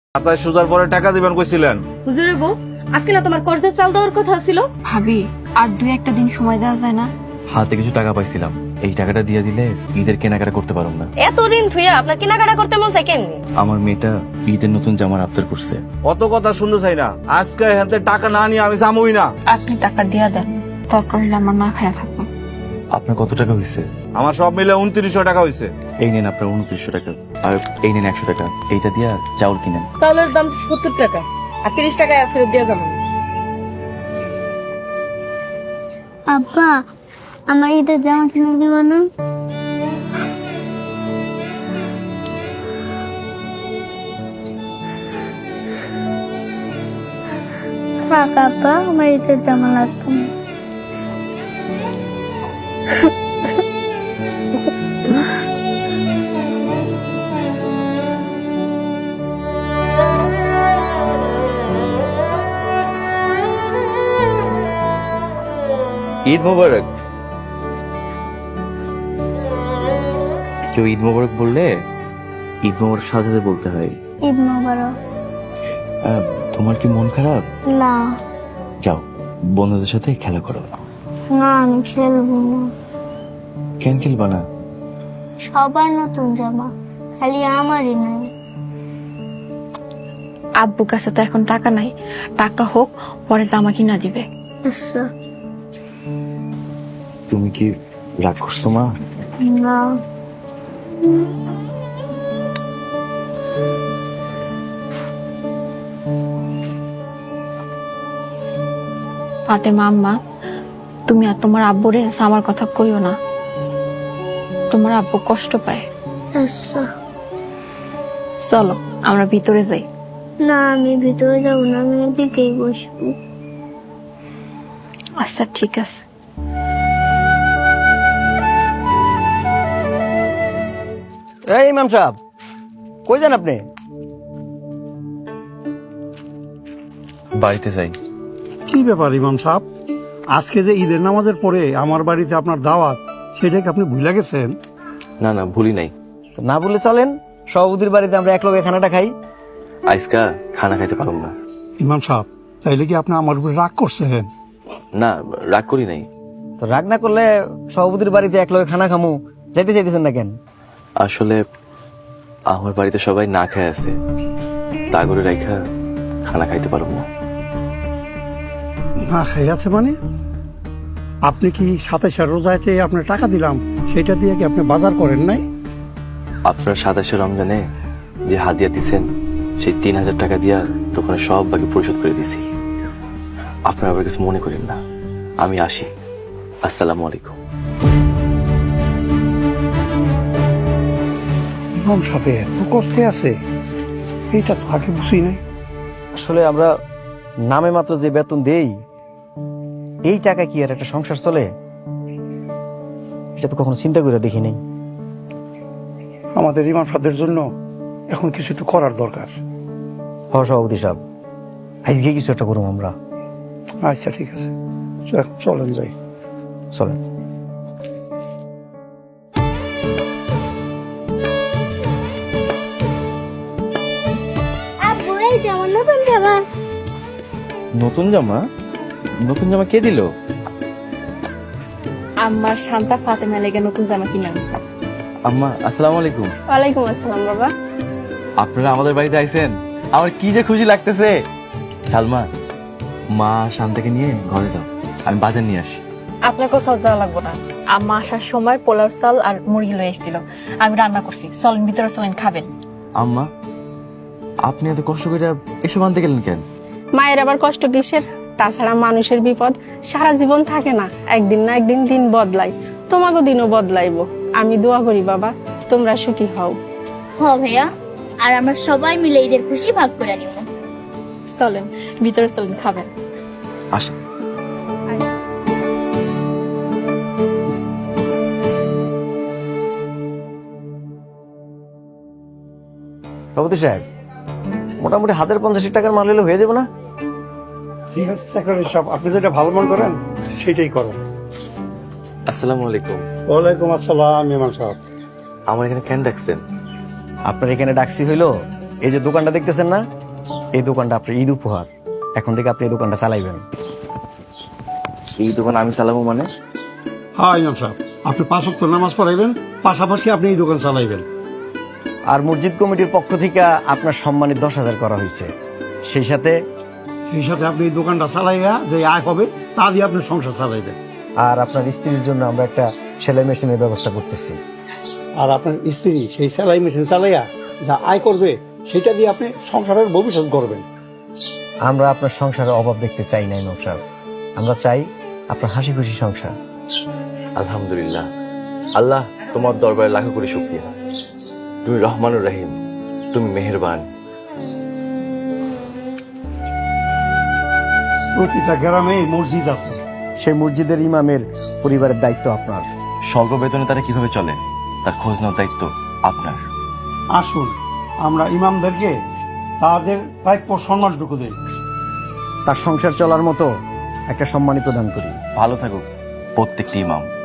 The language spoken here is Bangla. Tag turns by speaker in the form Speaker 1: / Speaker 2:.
Speaker 1: খাতায় সুজার পরে টাকা দিবেন কইছিলেন।
Speaker 2: হুজুরের বউ, আজকে না তোমার কর্জের চাল দেওয়ার কথা ছিল?
Speaker 3: ভাবি, আর দুই একটা দিন সময় দেওয়া যায় না?
Speaker 4: হাতে কিছু টাকা পাইছিলাম, এই টাকাটা দিয়ে দিলে ঈদের কেনাকাটা করতে পারব না।
Speaker 2: এত ঋণ থুইয়া আপনার কেনাকাটা করতে মন চাই কেমনি?
Speaker 4: আমার মেয়েটা ঈদের নতুন জামার আবদার করছে।
Speaker 1: অত কথা শুনতে চাই না, আজকে হাতে টাকা না নিয়ে আমি যামই না।
Speaker 3: আপনি টাকা দিয়া দেন, দরকার হলে আমার না খায়া থাকবো।
Speaker 4: আপনার কত টাকা হয়েছে?
Speaker 1: আমার সব মিলে 2900 টাকা হয়েছে।
Speaker 4: এই নেন আপনার 2900 টাকা, আর এই নেন 100 টাকা। এইটা দিয়া চাউল কিনেন।
Speaker 2: চাউলের দাম 70 টাকা, আর 30 টাকা ফেরত দিয়ে যাবো।
Speaker 5: আব্বা, আমার ঈদের জামা কিনে দিব না? থাক আব্বা, আমার ঈদের জামা লাগবে না।
Speaker 4: ঈদ মোবারক। কেউ ঈদ মোবারক বললে ঈদ মোবারক সাজাতে বলতে হয়।
Speaker 5: ঈদ মোবারক।
Speaker 4: তোমার কি মন খারাপ?
Speaker 5: না
Speaker 4: যাও বন্ধুদের সাথে খেলা করো।
Speaker 5: না, আমি খেলবো না।
Speaker 4: কেন খেলবা না?
Speaker 5: সবার নতুন জামা, খালি আমারই নাই।
Speaker 3: আব্বুর কাছে তো এখন টাকা নাই, টাকা হোক পরে জামা কিনা দিবে।
Speaker 5: আচ্ছা।
Speaker 4: তুমি কি রাগ করছো মা?
Speaker 5: না,
Speaker 3: ফাতেমা আম্মা, তুমি আর তোমার আব্বুরে আমার কথা কইও না, তোমার আব্বু কষ্ট পায়।
Speaker 5: আচ্ছা।
Speaker 3: চলো আমরা ভিতরে যাই।
Speaker 5: না, আমি ভিতরে যাবো না, আমি এদিকেই বসবো।
Speaker 3: আচ্ছা ঠিক আছে।
Speaker 6: এই ইমাম সাহেব, কই যান আপনি?
Speaker 4: বাড়িতে যাই।
Speaker 7: কি ব্যাপার ইমাম সাহেব, আজকে যে ঈদের নামাজের পরে আমার বাড়িতে আপনার দাওয়াত, সেটাকে আপনি ভুলে গেছেন?
Speaker 4: না না, ভুলি নাই।
Speaker 6: তো না বলে চলেন, সভাপতির বাড়িতে আমরা এক লগে খানাটা খাই।
Speaker 4: আজকা খানা খাইতে পারব না।
Speaker 7: ইমাম সাহেব, তাইলে কি আপনি আমার উপরে রাগ করছেন?
Speaker 4: না, রাগ করি নাই।
Speaker 6: তো রাগ না করলে সভাপতির বাড়িতে এক লগে খানা খামু, যাইতে চাইতেছেন না কেন?
Speaker 4: আসলে আমার বাড়িতে সবাই না খায় আছে, তা করে রাইখা খানা খাইতে পারব না।
Speaker 7: না খাই আছে মানে? আপনি কি 27 রোজাতে আপনার টাকা দিলাম, সেটা দিয়ে কি আপনি বাজার করেন নাই?
Speaker 4: আপনার 27 রমজানে যে হাদিয়া দিছেন, সেই 3000 টাকা দিয়া দোকানে সব বাকি পরিশোধ করে দিছি। আপনার আবার কিছু মনে করেন না, আমি আসি। আসসালামু আলাইকুম।
Speaker 7: ইমাম সাহেব এত কষ্টে আছে, এইটা তো আগে বুঝি নাই।
Speaker 6: আসলে আমরা নামে মাত্র যে বেতন দেই, এই টাকা কি আর একটা সংসার চলে? এটা তো কখনো চিন্তা করে দেখি নাই।
Speaker 7: আমাদের ইমাম সাহেবের জন্য এখন কিছু একটু করার দরকার।
Speaker 6: হ সভাপতি সাহেব, আজকে কিছু একটা করুম আমরা।
Speaker 7: আচ্ছা ঠিক আছে, চলেন যাই।
Speaker 6: চলেন।
Speaker 5: আব্বু, এই যে আমার নতুন জামা।
Speaker 4: নতুন জামা? নতুন জামা কে দিল?
Speaker 3: আম্মা শান্তা ফাতেমা লেগে নতুন জামা কিনে আনছে।
Speaker 4: আম্মা আসসালামু আলাইকুম।
Speaker 3: ওয়ালাইকুম আসসালাম বাবা।
Speaker 4: আপনারা আমাদের বাড়িতে আইছেন, আমার কি যে খুশি লাগতেছে। সালমা, মা শান্তাকে নিয়ে ঘরে যাও, আমি বাজার নিয়ে আসি।
Speaker 3: আপনার কোথাও যাওয়া লাগবে না, আম্মা আসার সময় পোলার চাল আর মুরগি লয়ে এসেছিল, আমি রান্না করছি। চলেন ভিতরে, চলেন খাবেন।
Speaker 4: আম্মা, আপনি এত কষ্ট করে এসব আনতে গেলেন কেন?
Speaker 8: মায়ের আবার কষ্ট কিসের? তাছাড়া মানুষের বিপদ সারা জীবন থাকে না, একদিন না একদিন দিন বদলাই। তোমাকে দিনও বদলাইবো। আমি দোয়া করি বাবা, তোমরা সুখী হও।
Speaker 5: হ ভাইয়া, আর আমরা সবাই মিলে ঈদের খুশি ভাগ করে নিব।
Speaker 3: চলেন ভিতরে, চলেন খাবেন।
Speaker 4: আসেন।
Speaker 6: সভাপতি সাহেব, মোটামুটি 50 টাকার মাল হলে হয়ে যাবে না?
Speaker 7: ঠিক আছে সেক্রেটারি সাহেব, আপনি যেটা ভালো মনে করেন সেটাই করেন।
Speaker 4: আসসালামু আলাইকুম।
Speaker 7: ওয়ালাইকুম আসসালাম ইমাম সাহেব।
Speaker 4: আমার এখানে কেন ডাকছেন?
Speaker 6: আপনার এখানে ডাকছি হইলো এই যে দোকানটা দেখতেছেন না, এই দোকানটা আপনার ঈদ উপহার। এখন থেকে আপনি এই দোকানটা চালাইবেন।
Speaker 4: এই দোকান আমি চালাবো মানে?
Speaker 7: হ্যাঁ ইমাম সাহেব, আপনি 5 ওয়াক্ত নামাজ পড়াইবেন, পাশাপাশি আপনি এই দোকান চালাইবেন।
Speaker 6: আর মসজিদ কমিটির পক্ষ থেকে আপনার সম্মানিত 10,000 করা হয়েছে। সেই সাথে
Speaker 7: আপনি এই দোকানটা চালাইয়া যে আয় হবে তা দিয়ে আপনি সংসার চালাইবেন।
Speaker 6: আর আপনার স্ত্রীর জন্য আমরা একটা সেলাই মেশিনের ব্যবস্থা করতেছি।
Speaker 7: আর আপনার স্ত্রী সেই সেলাই মেশিন চালাইয়া যা আয় করবে সেটা দিয়ে আপনি সংসারের ভবিষ্যৎ করবেন।
Speaker 6: আমরা আপনার সংসারের অভাব দেখতে চাই না ইমাম সাহেব, আমরা চাই আপনার হাসি খুশি সংসার।
Speaker 4: আলহামদুলিল্লাহ, আল্লাহ তোমার দরবারে লাখো করে শুকরিয়া। তুমি রহমানুর রহিম, তুমি মেহেরবান।
Speaker 7: প্রতিটা গ্রামে মসজিদ আছে,
Speaker 6: সেই মসজিদের ইমামের পরিবারের দায়িত্ব আপনার।
Speaker 4: স্বল্প বেতনে তারা কিভাবে চলে তার খোঁজ নেওয়ার দায়িত্ব আপনার।
Speaker 7: আসুন আমরা ইমামদেরকে তাদের প্রাপ্য সম্মানটুকু দেই।
Speaker 6: তার সংসার চলার মতো একটা সম্মানিত দান করি।
Speaker 4: ভালো থাকুক প্রত্যেকটি ইমাম।